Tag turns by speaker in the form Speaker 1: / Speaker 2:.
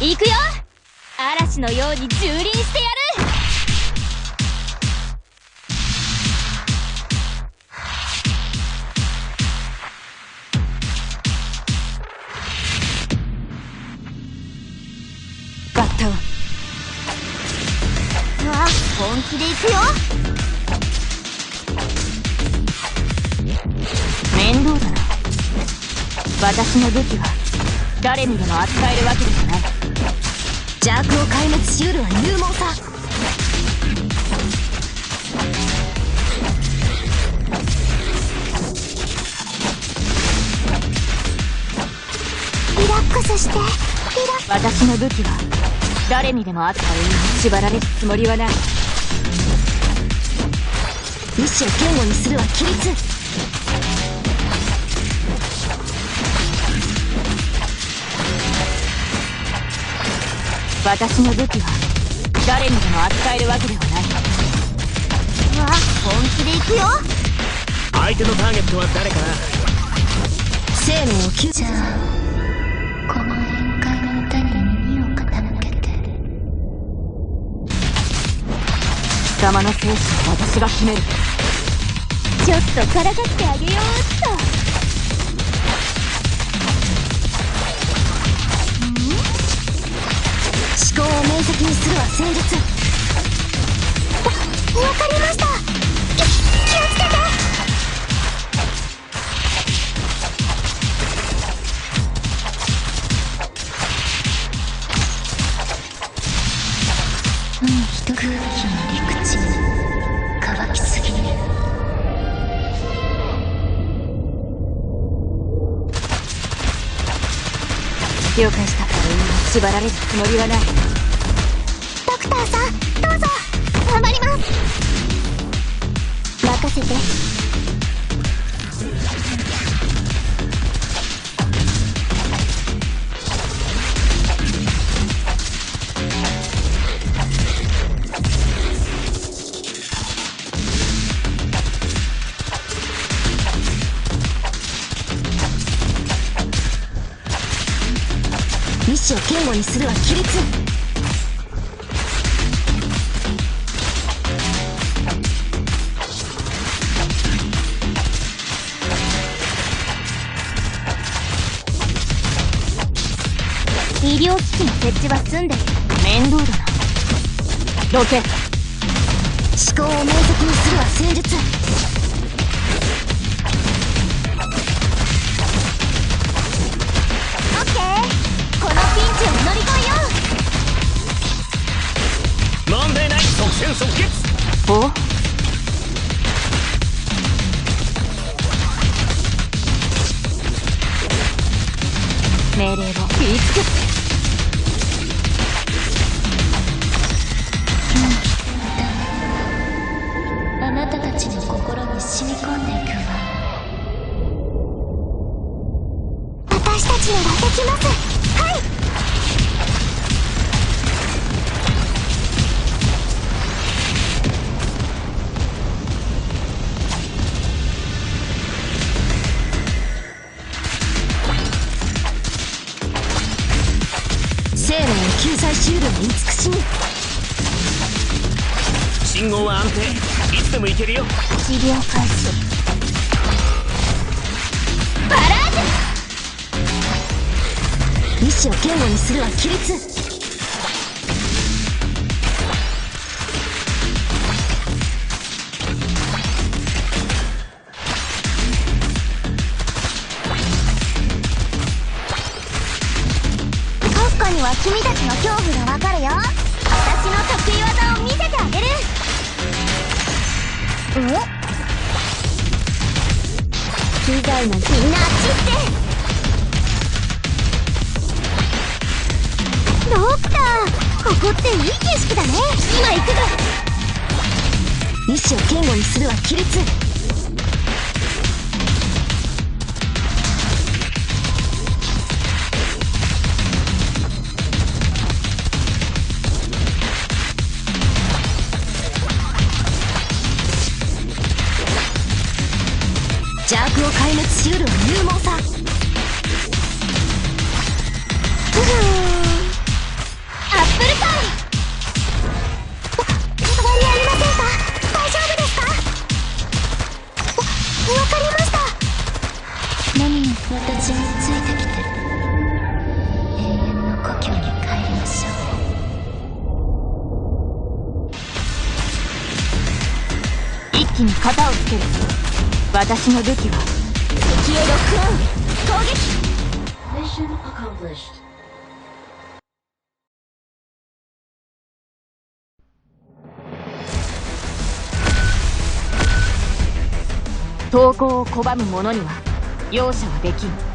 Speaker 1: 行くよ。嵐のように蹂躙してやる。
Speaker 2: バッタン。
Speaker 1: あ、本気で行くよ。
Speaker 2: 面倒だな。私の武器は誰にでも扱えるわけではない。邪悪を壊滅しうるは勇猛さ。
Speaker 1: リラックスして。
Speaker 2: 私の武器は誰にでも扱える。縛られるつもりはない。
Speaker 1: 意志を堅固にするは規律。
Speaker 2: 私の武器は誰にでも扱えるわけではない。
Speaker 1: わ、本気で行くよ。
Speaker 3: 相手のターゲットは誰かな。
Speaker 2: 生命を救
Speaker 1: じゃあこの宴会の歌に耳を傾けて。
Speaker 2: 貴様の生死は私が決める。
Speaker 1: ちょっとからかってあげようっと。
Speaker 2: 思考を明晰にするは戦術。
Speaker 1: わかりました。気をつけて。
Speaker 2: 一空気の陸地乾きすぎる。了解した。縛られるつもりはない。
Speaker 1: ドクターさん、どうぞ。頑張ります。任せて。
Speaker 2: 意志を堅固にするは規律。
Speaker 1: 医療機器の設置は済んでる。
Speaker 2: 面倒だな。どけ。思考を明晰にするは戦術。
Speaker 1: オッケー。このピンチを乗り越えよう。
Speaker 3: 問題ない。即戦即決。
Speaker 2: お命令を言いつけて。
Speaker 1: あなたたちの心に染み込んでいくわ。私たちならできます。はい。
Speaker 2: 生命を救済しうるは慈しみ。
Speaker 3: 信号は安定。いつでも行けるよ。
Speaker 1: 治療開始。バラージュ。
Speaker 2: 意志を堅固にするは規律。
Speaker 1: 国家には君たちの恐怖がわかるよ。私の得意技を見せてあげる。機材なんてみんなあっち行って。ドクター、ここっていい景色だね。今行くぞ。
Speaker 2: 意志を堅固にするは規律。邪悪を壊滅しうるは勇猛さ。 敵に型をつける。私の武器は敵へロックオン。攻撃。
Speaker 4: Mission accomplished.
Speaker 2: 投降を拒む者には容赦はできん。